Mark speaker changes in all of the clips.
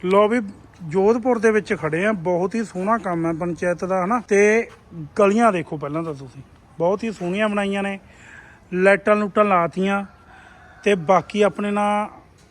Speaker 1: ਲੋ ਵੀ जोधपुर ਦੇ ਵਿੱਚ ਖੜੇ ਆ। ਬਹੁਤ ਹੀ ਸੋਹਣਾ ਕੰਮ ਹੈ ਪੰਚਾਇਤ ਦਾ ਹਨਾ। ਤੇ ਗਲੀਆਂ ਦੇਖੋ ਪਹਿਲਾਂ ਤਾਂ ਤੁਸੀਂ, ਬਹੁਤ ਹੀ ਸੋਹਣੀਆਂ ਬਣਾਈਆਂ ਨੇ, ਲਾਈਟਾਂ ਲੂਟਾਂ ਲਾਤੀਆਂ। ਤੇ ਬਾਕੀ ਆਪਣੇ ਨਾਲ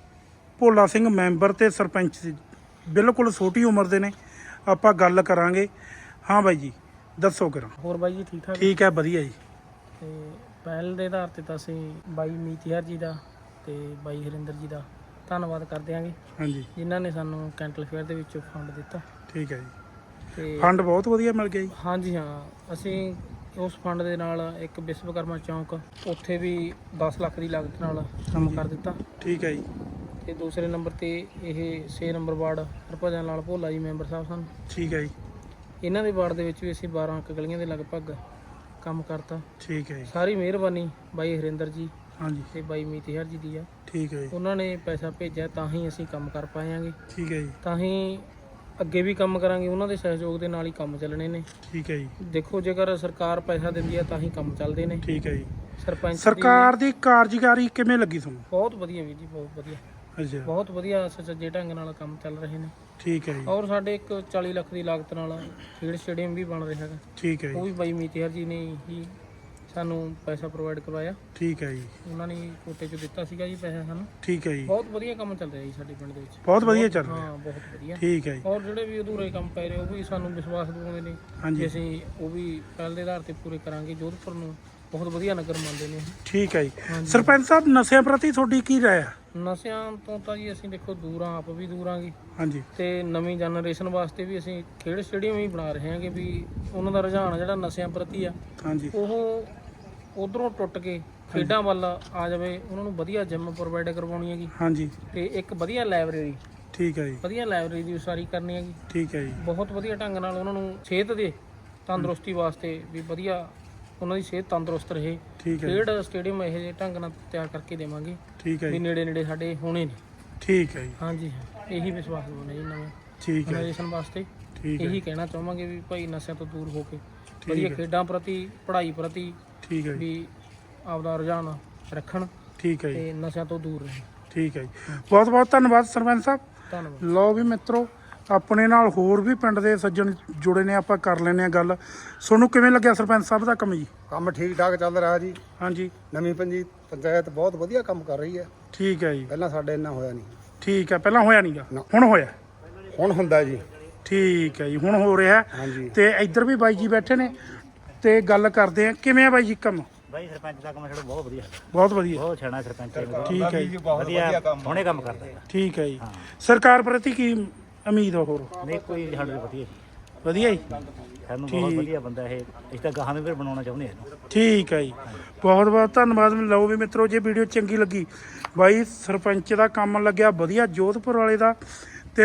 Speaker 1: ਭੋਲਾ ਸਿੰਘ ਮੈਂਬਰ ਤੇ ਸਰਪੰਚ ਬਿਲਕੁਲ ਛੋਟੀ ਉਮਰ ਦੇ ਨੇ, ਆਪਾਂ ਗੱਲ ਕਰਾਂਗੇ। ਹਾਂ ਬਾਈ ਜੀ ਦੱਸੋ ਕਰਾਂ।
Speaker 2: ਹੋਰ ਬਾਈ ਜੀ ਠੀਕ ਠਾਕ?
Speaker 1: ਠੀਕ ਹੈ, ਵਧੀਆ ਜੀ।
Speaker 2: ਤੇ ਪਹਿਲ ਦੇ ਆਧਾਰ ਤੇ ਤਾਂ ਅਸੀਂ ਬਾਈ ਮੀਤਿਹਰ ਜੀ ਦਾ ਤੇ ਬਾਈ ਹਰਿੰਦਰ ਜੀ ਦਾ ਧੰਨਵਾਦ ਕਰਦੇ ਆਂਗੇ,
Speaker 1: ਹਾਂਜੀ,
Speaker 2: ਜਿਨ੍ਹਾਂ ਨੇ ਸਾਨੂੰ ਕੈਂਟਲ ਫੇਅਰ ਦੇ ਵਿੱਚ ਫੰਡ ਦਿੱਤਾ।
Speaker 1: ਠੀਕ ਹੈ ਜੀ।
Speaker 2: ਤੇ
Speaker 1: ਫੰਡ ਬਹੁਤ ਵਧੀਆ ਮਿਲ ਗਿਆ ਜੀ।
Speaker 2: ਹਾਂਜੀ ਹਾਂ, ਅਸੀਂ ਉਸ ਫੰਡ ਦੇ ਨਾਲ ਇੱਕ ਵਿਸ਼ਵਕਰਮਾ ਚੌਂਕ ਉੱਥੇ ਵੀ 10 ਲੱਖ ਦੀ ਲਾਗਤ ਨਾਲ ਕੰਮ ਕਰ ਦਿੱਤਾ।
Speaker 1: ਠੀਕ ਹੈ ਜੀ।
Speaker 2: ਤੇ ਦੂਸਰੇ ਨੰਬਰ ਤੇ ਇਹ 6 number ward Harbhajan Lal Bhola ji member ਸਾਹਿਬ ਸਨ।
Speaker 1: ਠੀਕ ਹੈ ਜੀ।
Speaker 2: ਇਹਨਾਂ ਦੇ ਵਾਰਡ ਦੇ ਵਿੱਚ ਵੀ ਅਸੀਂ 12 ਗਲੀਆਂ ਦੇ ਲਗਭਗ ਕੰਮ ਕਰਤਾ।
Speaker 1: ਠੀਕ ਹੈ ਜੀ।
Speaker 2: ਸਾਰੀ ਮਿਹਰਬਾਨੀ ਬਾਈ ਹਰਿੰਦਰ ਜੀ
Speaker 1: ਹਾਂਜੀ,
Speaker 2: ਤੇ ਬਾਈ ਮੀਤਿਹਰ ਜੀ ਦੀ ਆ।
Speaker 1: ਠੀਕ ਹੈ ਜੀ।
Speaker 2: ਉਹਨਾਂ ਨੇ ਪੈਸਾ ਭੇਜਿਆ ਤਾਂ ਹੀ ਅਸੀਂ ਕੰਮ ਕਰ ਪਾਏਆਂਗੇ,
Speaker 1: ਠੀਕ ਹੈ ਜੀ।
Speaker 2: ਤਾਂ ਹੀ ਅੱਗੇ ਵੀ ਕੰਮ ਕਰਾਂਗੇ। ਉਹਨਾਂ ਦੇ ਸਹਿਯੋਗ ਦੇ ਨਾਲ ਹੀ ਕੰਮ ਚੱਲਣੇ ਨੇ।
Speaker 1: ਠੀਕ ਹੈ ਜੀ।
Speaker 2: ਦੇਖੋ ਜੇਕਰ ਸਰਕਾਰ ਪੈਸਾ ਦਿੰਦੀ ਆ ਤਾਂ ਹੀ ਕੰਮ ਚੱਲਦੇ ਨੇ।
Speaker 1: ਠੀਕ ਹੈ ਜੀ।
Speaker 2: ਸਰਪੰਚ
Speaker 1: ਸਰਕਾਰ ਦੀ ਕਾਰਜਕਾਰੀ ਕਿਵੇਂ ਲੱਗੀ ਤੁਹਾਨੂੰ?
Speaker 2: ਬਹੁਤ ਵਧੀਆ ਵੀਰ ਜੀ, ਬਹੁਤ ਵਧੀਆ,
Speaker 1: ਅੱਛਾ,
Speaker 2: ਬਹੁਤ ਵਧੀਆ ਸੁਚੱਜੇ ਢੰਗ ਨਾਲ ਕੰਮ ਚੱਲ ਰਹੇ ਨੇ।
Speaker 1: ਠੀਕ ਹੈ ਜੀ।
Speaker 2: ਔਰ ਸਾਡੇ ਇੱਕ 40 ਲੱਖ ਦੀ ਲਾਗਤ ਨਾਲ ਖੇਡ ਸਟੇਡੀਅਮ ਵੀ ਬਣ ਰਿਹਾ ਹੈਗਾ।
Speaker 1: ਠੀਕ ਹੈ
Speaker 2: ਉਹ
Speaker 1: ਜੀ।
Speaker 2: ਵੀ ਬਾਈ ਮੀਤਿਹਰ ਜੀ ਨੇ ਹੀ ਸਾਨੂੰ ਪੈਸਾ ਪ੍ਰੋਵਾਈਡ ਕਰਵਾਇਆ।
Speaker 1: ਠੀਕ ਹੈ ਜੀ।
Speaker 2: ਉਹਨਾਂ ਨੇ ਕੋਟੇ 'ਚ ਦਿੱਤਾ ਸੀਗਾ ਜੀ ਪੈਸਾ ਸਾਨੂੰ।
Speaker 1: ਠੀਕ ਹੈ ਜੀ।
Speaker 2: ਬਹੁਤ ਵਧੀਆ ਕੰਮ ਚੱਲ ਰਿਹਾ ਜੀ ਸਾਡੇ ਪਿੰਡ ਦੇ ਵਿੱਚ।
Speaker 1: ਬਹੁਤ ਵਧੀਆ ਚੱਲ ਰਿਹਾ।
Speaker 2: ਹਾਂ, ਬਹੁਤ ਵਧੀਆ।
Speaker 1: ਠੀਕ ਹੈ ਜੀ।
Speaker 2: ਔਰ ਜਿਹੜੇ ਵੀ ਅਧੂਰੇ ਕੰਮ ਪੈ ਰਹੇ ਉਹ ਵੀ ਸਾਨੂੰ ਵਿਸ਼ਵਾਸ ਦਿਵਾਉਂਦੇ ਨੇ
Speaker 1: ਹਾਂਜੀ।
Speaker 2: ਕਿ ਅਸੀਂ ਉਹ ਵੀ ਪਹਿਲ ਦੇ ਆਧਾਰ ਤੇ ਪੂਰੇ ਕਰਾਂਗੇ। ਜੋਧਪੁਰ ਨੂੰ ਬਹੁਤ ਵਧੀਆ ਨਗਰ ਮੰਨਦੇ ਨੇ।
Speaker 1: ਠੀਕ ਹੈ ਜੀ।
Speaker 2: ਹਾਂਜੀ।
Speaker 1: ਸਰਪੰਚ ਸਾਹਿਬ ਨਸ਼ਿਆਂ ਪ੍ਰਤੀ ਤੁਹਾਡੀ ਕੀ ਰਾਏ ਹੈ?
Speaker 2: ਨਸ਼ਿਆਂ ਤੋਂ ਤਾਂ ਜੀ ਅਸੀਂ ਦੇਖੋ ਦੂਰ ਹਾਂ, ਆਪ ਵੀ ਦੂਰ ਆਂਗੇ।
Speaker 1: ਹਾਂਜੀ,
Speaker 2: ਤੇ ਨਵੀਂ ਜਨਰੇਸ਼ਨ ਵਾਸਤੇ ਵੀ ਅਸੀਂ ਖੇਡ ਸਟੇਡੀਅਮ ਹੀ ਬਣਾ ਰਹੇ ਹਾਂਗੇ ਵੀ ਉਹਨਾਂ ਦਾ ਰੁਝਾਨ ਜਿਹੜਾ ਨਸ਼ਿਆਂ ਪ੍ਰਤੀ ਆ
Speaker 1: ਹਾਂਜੀ,
Speaker 2: ਉਹ ਉਧਰੋਂ ਟੁੱਟ ਕੇ ਖੇਡਾਂ ਵੱਲ ਆ ਜਾਵੇ। ਉਹਨਾਂ ਨੂੰ ਵਧੀਆ ਜਿਮ ਪ੍ਰੋਵਾਈਡ ਕਰਵਾਉਣੀ ਹੈਗੀ
Speaker 1: ਹਾਂਜੀ।
Speaker 2: ਤੇ ਇੱਕ ਵਧੀਆ ਲਾਇਬ੍ਰੇਰੀ,
Speaker 1: ਠੀਕ ਹੈ ਜੀ।
Speaker 2: ਵਧੀਆ ਲਾਇਬ੍ਰੇਰੀ ਦੀ ਉਸਾਰੀ ਕਰਨੀ ਹੈਗੀ।
Speaker 1: ਠੀਕ ਹੈ ਜੀ।
Speaker 2: ਬਹੁਤ ਵਧੀਆ ਢੰਗ ਨਾਲ ਉਹਨਾਂ ਨੂੰ ਸਿਹਤ ਦੇ ਤੰਦਰੁਸਤੀ ਵਾਸਤੇ ਵੀ ਵਧੀਆ ਉਹਨਾਂ ਦੀ ਸਿਹਤ ਤੰਦਰੁਸਤ ਰਹੇ।
Speaker 1: ਠੀਕ ਹੈ।
Speaker 2: ਖੇਡ ਸਟੇਡੀਅਮ ਇਹੋ ਜਿਹੇ ਢੰਗ ਨਾਲ ਤਿਆਰ ਕਰਕੇ ਦੇਵਾਂਗੇ
Speaker 1: ਠੀਕ ਹੈ
Speaker 2: ਵੀ
Speaker 1: ਜੀ।
Speaker 2: ਨੇੜੇ ਨੇੜੇ ਸਾਡੇ ਹੋਣੇ ਨੇ।
Speaker 1: ਠੀਕ ਹੈ ਜੀ।
Speaker 2: ਹਾਂਜੀ ਹਾਂ, ਇਹੀ ਵਿਸ਼ਵਾਸ ਦਿਵਾਉਂਦੇ ਜੀ ਨਵੇਂ
Speaker 1: ਠੀਕ ਹੈ।
Speaker 2: ਜਨਰੇਸ਼ਨ ਵਾਸਤੇ।
Speaker 1: ਠੀਕ ਹੈ।
Speaker 2: ਇਹੀ ਕਹਿਣਾ ਚਾਹਾਂਗੇ ਵੀ ਭਾਈ ਨਸ਼ਿਆਂ ਤੋਂ ਦੂਰ ਹੋ ਕੇ
Speaker 1: ਠੀਕ
Speaker 2: ਵਧੀਆ
Speaker 1: ਹੈ।
Speaker 2: ਖੇਡਾਂ ਪ੍ਰਤੀ, ਪੜ੍ਹਾਈ ਪ੍ਰਤੀ
Speaker 1: ਠੀਕ ਹੈ ਜੀ।
Speaker 2: ਵੀ ਆਪਦਾ ਰੁਝਾਨ ਰੱਖਣ
Speaker 1: ਠੀਕ ਹੈ ਜੀ।
Speaker 2: ਤੇ ਨਸ਼ਿਆਂ ਤੋਂ ਦੂਰ ਰਹਿਣ।
Speaker 1: ਠੀਕ ਹੈ ਜੀ। ਬਹੁਤ ਬਹੁਤ ਧੰਨਵਾਦ ਸਰਪੰਚ ਸਾਹਿਬ।
Speaker 2: ਧੰਨਵਾਦ।
Speaker 1: ਲਓ ਵੀ ਮਿੱਤਰੋ, ਆਪਣੇ ਨਾਲ ਹੋਰ ਵੀ ਪਿੰਡ ਦੇ ਸੱਜਣ ਜੁੜੇ ਨੇ, ਆਪਾਂ ਕਰ ਲੈਂਦੇ ਆ ਗੱਲ। ਤੁਹਾਨੂੰ ਕਿਵੇਂ ਲੱਗਿਆ ਸਰਪੰਚ ਸਾਹਿਬ ਦਾ ਕੰਮ ਜੀ?
Speaker 3: ਕੰਮ ਠੀਕ ਠਾਕ ਚੱਲ ਰਿਹਾ ਜੀ।
Speaker 1: ਹਾਂਜੀ,
Speaker 3: ਨਵੀਂ ਪੰਚਾਇਤ ਬਹੁਤ ਵਧੀਆ ਕੰਮ ਕਰ ਰਹੀ ਹੈ।
Speaker 1: ਠੀਕ ਹੈ ਜੀ।
Speaker 3: ਪਹਿਲਾਂ ਸਾਡੇ ਇੰਨਾ ਹੋਇਆ ਨਹੀਂ।
Speaker 1: ਠੀਕ ਹੈ, ਪਹਿਲਾਂ ਹੋਇਆ ਨਹੀਂਗਾ,
Speaker 3: ਨਾ।
Speaker 1: ਹੁਣ ਹੋਇਆ।
Speaker 3: ਹੁਣ ਹੁੰਦਾ ਜੀ।
Speaker 1: ਠੀਕ ਹੈ ਜੀ, ਹੁਣ ਹੋ ਰਿਹਾ।
Speaker 3: ਹਾਂਜੀ।
Speaker 1: ਤੇ ਇੱਧਰ ਵੀ ਬਾਈ ਜੀ ਬੈਠੇ ਨੇ ਤੇ ਗੱਲ ਕਰਦੇ ਆ। ਕਿਵੇਂ ਆ ਬਾਈ ਜੀ ਕੰਮ?
Speaker 4: ਬਾਈ ਸਰਪੰਚ ਦਾ ਕੰਮ ਸਾਡਾ ਬਹੁਤ ਵਧੀਆ,
Speaker 1: ਬਹੁਤ ਵਧੀਆ।
Speaker 4: ਬਹੁਤ ਛਾਣਾ ਸਰਪੰਚ ਹੈ।
Speaker 1: ਠੀਕ ਹੈ ਜੀ।
Speaker 4: ਵਧੀਆ ਹੁਣੇ ਕੰਮ ਕਰਦਾ ਹੈ।
Speaker 1: ਠੀਕ ਹੈ ਜੀ। ਸਰਕਾਰ ਪ੍ਰਤੀ ਕੀ ਉਮੀਦ ਆ ਹੋਰ?
Speaker 4: ਨਹੀਂ ਕੋਈ ਸਾਡੇ ਤੋਂ ਵਧੀਆ
Speaker 1: ਵਧੀਆ ਜੀ।
Speaker 4: ਸਾਨੂੰ ਬਹੁਤ ਵਧੀਆ ਬੰਦਾ ਇਹ। ਅਸੀਂ ਤਾਂ ਗਾਹਾਂ ਨੂੰ ਵੀ ਬਣਾਉਣਾ ਚਾਹੁੰਦੇ ਹਾਂ ਇਹਨੂੰ।
Speaker 1: ਠੀਕ ਹੈ ਜੀ। ਬਹੁਤ ਬਹੁਤ ਧੰਨਵਾਦ। ਲਓ ਵੀ ਮਿੱਤਰੋ, ਜੇ ਵੀਡੀਓ ਚੰਗੀ ਲੱਗੀ, ਬਾਈ ਸਰਪੰਚ ਦਾ ਕੰਮ ਲੱਗਿਆ ਵਧੀਆ ਜੋਧਪੁਰ ਵਾਲੇ ਦਾ। ਤੇ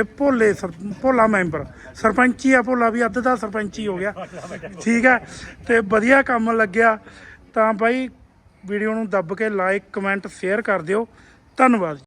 Speaker 1: ਭੋਲਾ ਮੈਂਬਰ ਸਰਪੰਚ ਹੀ ਆ, ਭੋਲਾ ਵੀ ਅੱਧ ਦਾ ਸਰਪੰਚ ਹੀ ਹੋ ਗਿਆ। ਠੀਕ ਹੈ। ਤੇ ਵਧੀਆ ਕੰਮ ਲੱਗਿਆ ਤਾਂ ਬਾਈ ਵੀਡੀਓ ਨੂੰ ਦੱਬ ਕੇ ਲਾਈਕ ਕਮੈਂਟ ਸ਼ੇਅਰ ਕਰ ਦਿਓ। ਧੰਨਵਾਦ।